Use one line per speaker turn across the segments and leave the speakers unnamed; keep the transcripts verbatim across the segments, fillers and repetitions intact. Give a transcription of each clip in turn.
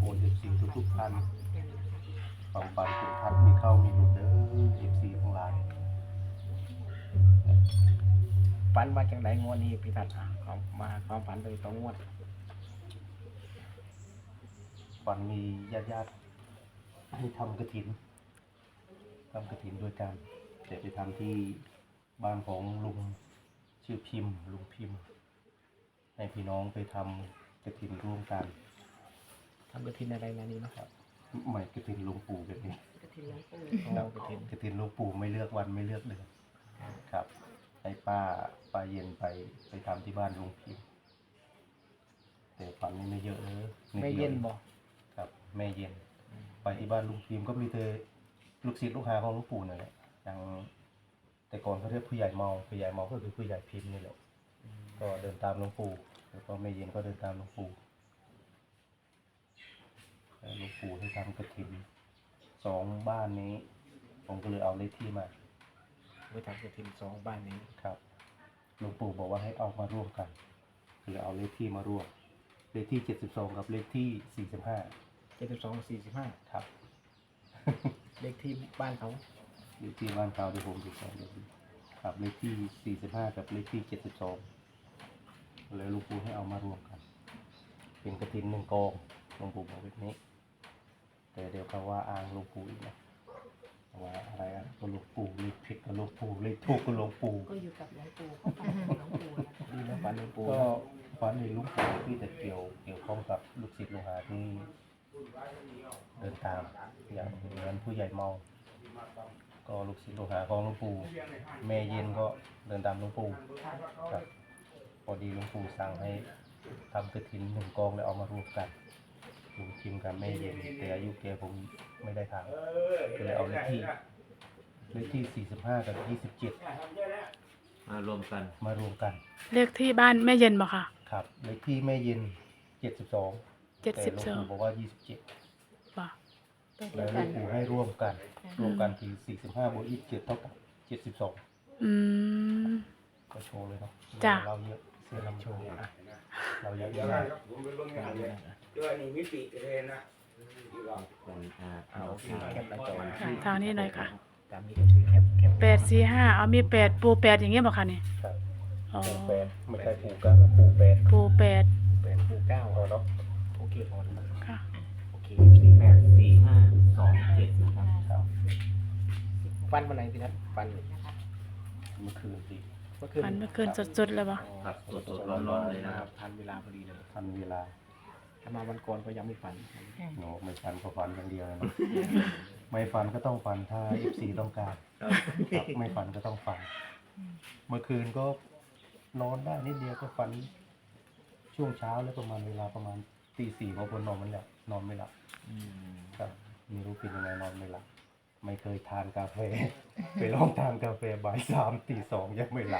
เอฟซีทุกๆท่านความฝันทุกท่านมีเข้ามีหลุดเด้อเอฟซีทั้งหลาย
ฝันมาจากไหนงวดนี้พี่ทัศน์ของมาความฝันโดยตรงงวด
ฝันมีญาติญาติๆให้ทำกฐินทำกฐินโดยการแต่ไปทำที่บ้านของลุงชื่อพิมพ์ลุงพิมพ์ให้พี่น้องไปทำกฐินร่วมกัน
ทำกฐินอะไรงานนี้เนาะ
ครับไม่กฐินหลวงปู่แบบนี้
กฐินหลวงปู่
เรากฐิน
กฐินหลวงปู่ไม่เลือกวันไม่เลือกเดือนครับให้ป้าป้าเย็นไปไปทำที่บ้านลุงพิมพ์แต่ฝันนี่ไม่เยอะเลย
ไม่เย็นบ่
ครับแม่เย็นไปที่บ้านลุงพิมพ์ก็มีแต่ลูกศิษย์ลูกหาของหลวงปู่นั่นแหละอย่างแต่ก่อนเขาเรียกผู้ใหญ่เมาผู้ใหญ่เมาก็คือผู้ใหญ่พิมพ์นี่แหละก็เดินตามหลวงปู่แล้วก็แม่เย็นก็เดินตามหลวงปู่หลวงปู่ให้ทำกฐินสองบ้านนี้ผมก็เลยเอาเลขที่มา
ไปทำกฐินสองบ้านนี้
ครับหลวงปู่บอกว่าให้เอามาร่วมกันคือเอาเลขที่มาร่วมเลขที่เจ็ดสิบสองกับเลขที่สี่สิบห้า
เจ็ดสิบสองสี่สิบห้า
ครับ
เลขที่บ้านเขา
เลขที่บ้านเขาเดี๋ยวผมดูก่อนเลยครับเลขที่สี่สิบห้ากับเลขที่เจ็ดสิบสองเลยหลวงปู่ให้เอามารวมกันเป็นกฐินหนึ่งกองหลวงปู่บอกแบบนี้แต่เดี๋ยวเขาว่าอ้างหลวงปู่อีกนะว่าอะไรอ่ะก็หลวงปู่เลขผิดก็หลวงปู่เลขถูกก็หลวงปู่
ก็อยู่กับหลวงปู่ก็ฝันถึงหลวงปู่นะคะ
ดีนะฝันหลวงปู่
ก็ฝันในหลวงปู่ที่แต่เกี่ยวเกี่ยวข้องกับลูกศิษย์ลูกหาที่เดินตามอย่างเหมือนผู้ใหญ่เมาก็ลูกศิษย์ลูกหาของหลวงปู่แม่เย็นก็เดินตามหลวงปู่ครับพอดีหลวงปู่สั่งให้ทำกฐินหนึ่งกองแล้วเอามารวมกันลุงพิมกับแม่เย็นแต่อายุแกผมไม่ได้ถามก็เลยเอาเลขที่เลขที่สี่สิบห้ากับยี่สิบเจ็ด
มารวมกัน
มารวมกัน
เลขที่บ้านแม่เย็นบ่ค่ะ
ครับเลขที่แม่เย็นเจ็ดสิบสอง
เจ็ดสิบส
แต่
อ
หลว
ง
งปู่บอกว่ายี่สิบเจ็ด
บ่
ตัวเดี
แล้
ยว ว
หล
กั
วน งปู่ให้ร่วมกันรวมกันคือสี่สิบห้าบวกยี่สิบเจ็ดเท่ากับเจ็ดสิบสอง
อืม
ก็โชว์เลยเนาะ
จ้ะ
เราเยอะเสื้อลำโชว์อ่ะเราเยอะ
เดี๋ยว
เย
นะ
อะ
ผมไปเบิ่งงานเลยเดี๋ยวนี่มิติเลยนะที่ว่า
เป็นอ่า
เอา
เอา
โอเคแคปหน้าจอ
ค่ะทางนี้หน่อยค่ะ
ตามนี้ก็คือแคปแคป
แปดสี่ห้าเอามีแปดปูแปดอย่างเงี้ยบ่ค่ะนี่
ครับ
อ๋อ
ปู่แปดไม่ใช่ปู่เก้าปู่แปด
ปูแปด
เป็นปูเก้า
พอเนาะ
โอเคพอแล้ว
ค่ะ
โอเคสี่
แป
แปด
ดสี่ห้าสองเจ็ดนะครับ
ครับ
ฟันวันไหนพี่นัทฟัน
นะคะ
เมื่อคืนดี
เมื่อคืน
ฝันเมื่อคืนสดๆเลยบ่
ครับสดๆร้อนๆเลยนะครับ
ทันเวลาพอดีเลย
ทันเวลา
ถ้ามาวันก่อนก็ยังไม่ฝัน
โนไม่ฟันก็ฟันอย่างเดียวเลยเนาะไม่ฟันก็ต้องฟันถ้าเอฟซีต้องการครับไม่ฟันก็ต้องฟัน เมื่อคืนก็นอนได้นิดเดียวก็ฝันช่วงเช้าแล้วประมาณเวลาประมาณตีสี่พอบนนอนมันแหละนอนไม่หลับ
อืม
ครับไม่รู้เป็นยังไงนอนไม่หลับไม่เคยทานกาแฟ ไปลองทานกาแฟบ่ายสามตีสองยังไม่หลับ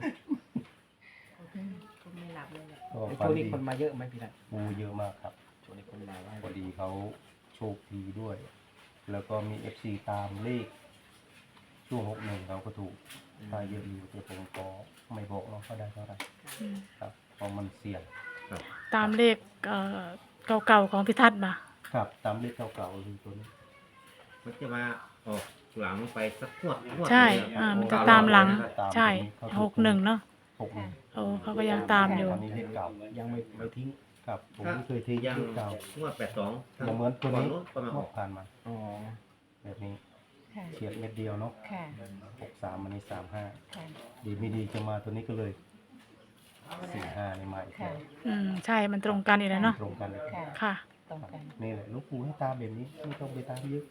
ก็ไม่หลับเลยแหละ
ก็
แล้ว
ฝัน
ช่วงนี้
ดี
คนมาเยอะไหมพี่นัท
งูเยอะมากครับ
ช่วงนี้คนมาไหว้
พอดีเขาโชคดีด้วย แล้วก็มีเอฟซีตามเลขช่วงหกหนึ่งเขาก็ถูกได้เยอะอยู่แต่ผมก็ไม่บอกเนาะเขาได้เท่าไหร่
อืม
ครับเพราะมันเสี่ยง
ตามเลขเอ่อเก่าๆของพิทัศน์บ่
ครับตามเลขเก่าๆคือตัวนี้
มันจะมาออกหลังไปสักงวดงวด
ใช่
เลย
อ่า
ครับ
มันจะตามหลัง
ตาม
ใช่
ตัวนี้
หกหนึ่งเนาะ
หกหนึ่ง
โอ้เขาก็ยังตามอยู่
อันนี้เลขเก่า
ยังไม่ไม่ทิ้ง
ครับผมไม่เคยทิ้ง
ยัง
เลขเก่าง
วดแปดสอง
อย่างเหมือนตัวนี้
ก็มาอ
ง
อ
ว
ก
ดผ่านมา
อ๋อ
แบบนี้
ค่ะ
เฉียดเม็ดเดียวเนาะ
ค่ะ
หกสามอันนี้สามห้า
ค่ะ
ดีไม่ดีจะมาตัวนี้ก็เลยสี่ห้านี่มาอีก
ค่ะ
แล้ว
อืมใช่มันตรงกันอีกแล้วเนาะ
ตรงกันเลย
ค่ะ
ค่ะ
ตรงกัน
นี่แหละหลูกปู่ให้ตามแบบนี้ไม่ต้องไปตามเยอะ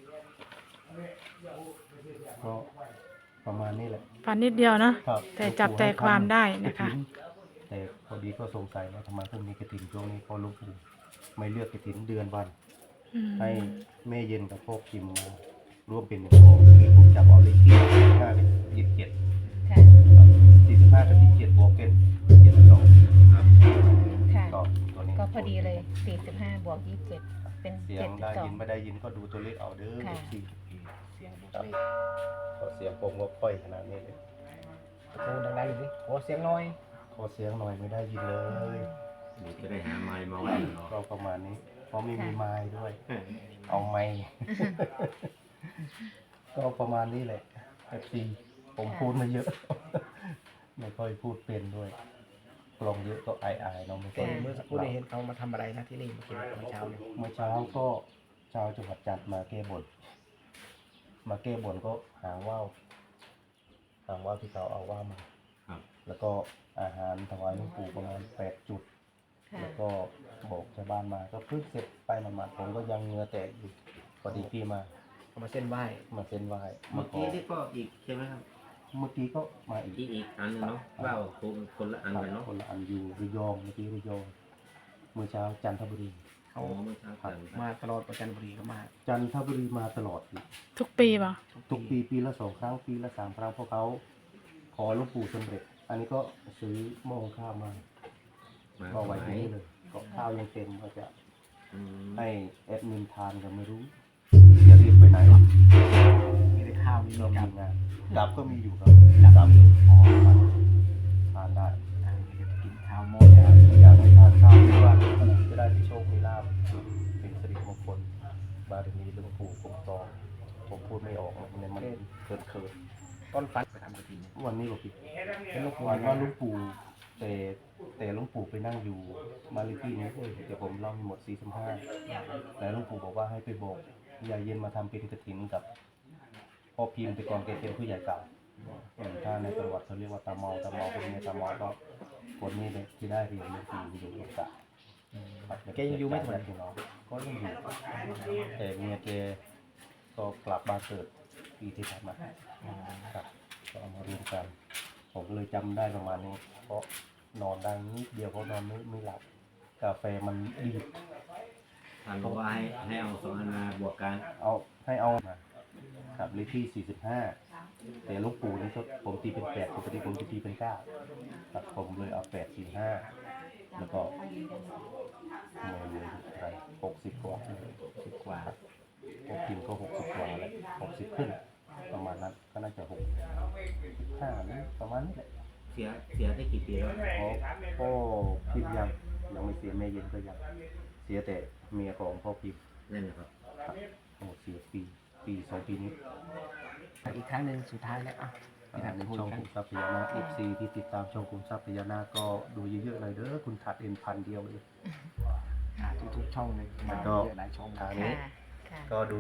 ก็ประมาณนี้แหละ
ฝันนิดเดียวเนาะ
ครับ
แต่จับใจความได้นะคะ
กฐิแต่พอดีก็สงสัยว่าทำไมพวกนี้กระถินช่วงนี้พอหลูกปู่ไม่เลือกกระถินเดือนวัน
อืม
ให้แม่เย็นกับพ่อพิมพ์มาร่วมเป็นหนึ่งกองคือผมจับเอาเลขที่สี่สิบห้าเป็นยี่สิบเจ็ด
ค่ะ
สี่สิบห้ากับยี่สิบเจ็ดบวกเป็นเจ็ดสิบสอง
ค่ะ
ก็ตัวนี้
ก็พอดีเลยสี่สิบห้าบวกยี่สิบเจ็ดเป็น
เสีย
เจ็
ง
ดสิบ
ได้
สอ
ยิ
ง
นไม่ได้ยินก็ดูตัวเลขเอาเด้อ
ค่ะ
สี่
เสียงบุกเลข
ขอเสียงผมก็ค่อยขนาดนี้เลย
ตะโกนดังๆอยู่สิโอ้เสียงน้อย
ขอเสียงหน่อยไม่ได้ยินเลย
เดี๋ยวจะได้หาไม้มาไว้เนาะ
ก็ประมาณนี้ พอราะไม่มี
ค่ะ
ไม้ด้วย
เออ
เอาไม้ ก็ประมาณนี้แหละเอฟซีผมพูดมาเยอะ ไม่ค่อยพูดเป็นด้วยกลองเยอะก็อายๆเนาะไม่ค่
แต่
อย
เมื่อสักครู่ได้เห็นเขามาทำอะไรนะที่นี่เมื่อกี้เมื่อเช้าเนี่ย
เมื่อเช้าก็ชาวจังหวัดจันทร์มาแก้บนมาแก้บนก็หางว่าวหางว่าวที่เขาเอาว่าวมา
ครับ
แล้วก็อาหารถวายหลวงปู่ประมาณแปดจุด
ค่ะ
แล้วก็บอกชาวบ้านมาก็เพิ่งเสร็จไปหมาดๆผมก็ยังเหงือแตกอยู่พอดีพี่มา
เขามาเส้นไหว้
มาเส้นไหว้
เมื่อกี้
ข
นี่ก็อีกใช่ไหมครับ
เมื่อกี้ก็มาอีก
อีกอีกอันหนึงเนาะว่าวคนคนละอันกันเนาะ
คนละอันอยู่ระยองเมื่อกี้ระยองเมื่อเช้าจันทบุรี
อ๋อเมื่อเช้ากัน
มาตลอดประจันทบุรีก็มา
จันทบุรีมาตลอดอยู่
ทุกปีป่ะ
ทุกปีปีละสองครั้งปีละสามครั้งเพราะเขาขอหลวงปู่สำเร็จ อันนี้ก็ซื้อหม้อหุงข้าวมา
มา
ก็ไว้ที่นี่เลยก็ข้าวยังเต็มก็จะ
อืม
ให้แอดมินทานก็ไม่รู้จะรีบไปไหน
มีแต่ข้าวมี
เรา
กั
มี
บ
งานดับก็มีอยู่ครับดับอ๋อทานได้
อ่าเดี๋ยวกินข้าวโม
อยากอยากให้ทานข้าวที่ว่าหลวงปู่จะได้มีโชคมีลาภเป็นสิริมงคลบารมีหลวงปู่คุ้มครองผมพูดไม่ออกมันมันเกินเกิน
ต้นฟันไปทำกระถิ่นเนี่ย
วันนี้บอกพี่
เป็นลูก
วันว่าหลุงปู่แต่แต่หลุงปู่ไปนั่งอยู่มาลิที่นี้เลยเดี๋ยวผมเล่าให้หมดสี่สิบห้าแล้วหลุงปู่บอกว่าให้ไปบอกยายเย็นมาทำเป็นกฐินกับพ่อพิมพ์ไปก่อนแกเป็นผู้ใหญ่เก่าเออถ้าในประวัติเขาเรียกว่าตาเมาตาเมาคนนี้ตาเมาก็คนนี้เลยที่ได้เรียนหลวงปู่อยู่หลวงตาครับ
แกยังอยู่ไม่ถึง
พี่น้องก็ยังอยู่แต่เมียแกก็กลับบ้านเกิดปีที่ผ่านมาครับก็เอามารวมกัน ผมก็เลยจำได้ประมาณนี้ เพราะนอนได้นิดเดียวเพราะนอนไม่ไม่หลับ กาแฟมันดีด
ท่านบอกว่าให้ให้เอาสองอันมาบวกกัน
เอาให้เอามาครับเลขที่สี่สิบห้าแต่หลูกปู่นี่ก็ผมตีเป็นแปดปกติผมจะตีเป็นเก้าครับผมเลยเอาแปดสี่ห้าแล้วก็เงินเลยอะไรหกสิบกว่าสิบกว่าพวกพิมพ์ก็หกสิบกว่าแล้วหกสิบขึ้น ประมาณนั้นก็น่าจะหกห้านี่ประมาณนี้แหละ
เสียเสียได้กี่ปีแล้ว
เพราะพ่อพิมพ์ยังยังไม่เสียแม่เย็นก็ยังเสียแต่เมียของพ่อพิมพ์
นั่นนะครับ
ครับโอ้เสียปีปีสองปีนี้
อีกครั้งหนึ่งสุดท้ายแล้วอ่ะ
อ่าในช่องคุณทรัพย์พญานาค เอฟ ซี ที่ติดตามช่องคุณทรัพย์พญานาคก็ดูเยอะๆเลยเด้อคุณถัดเอ็นพันเดียวเลย
อ่าทุกๆช่องเลยมา
ก็
เยอะหลายช่อง
ทาง
ค่ะ
นี้
ค่ะ
ก็ดู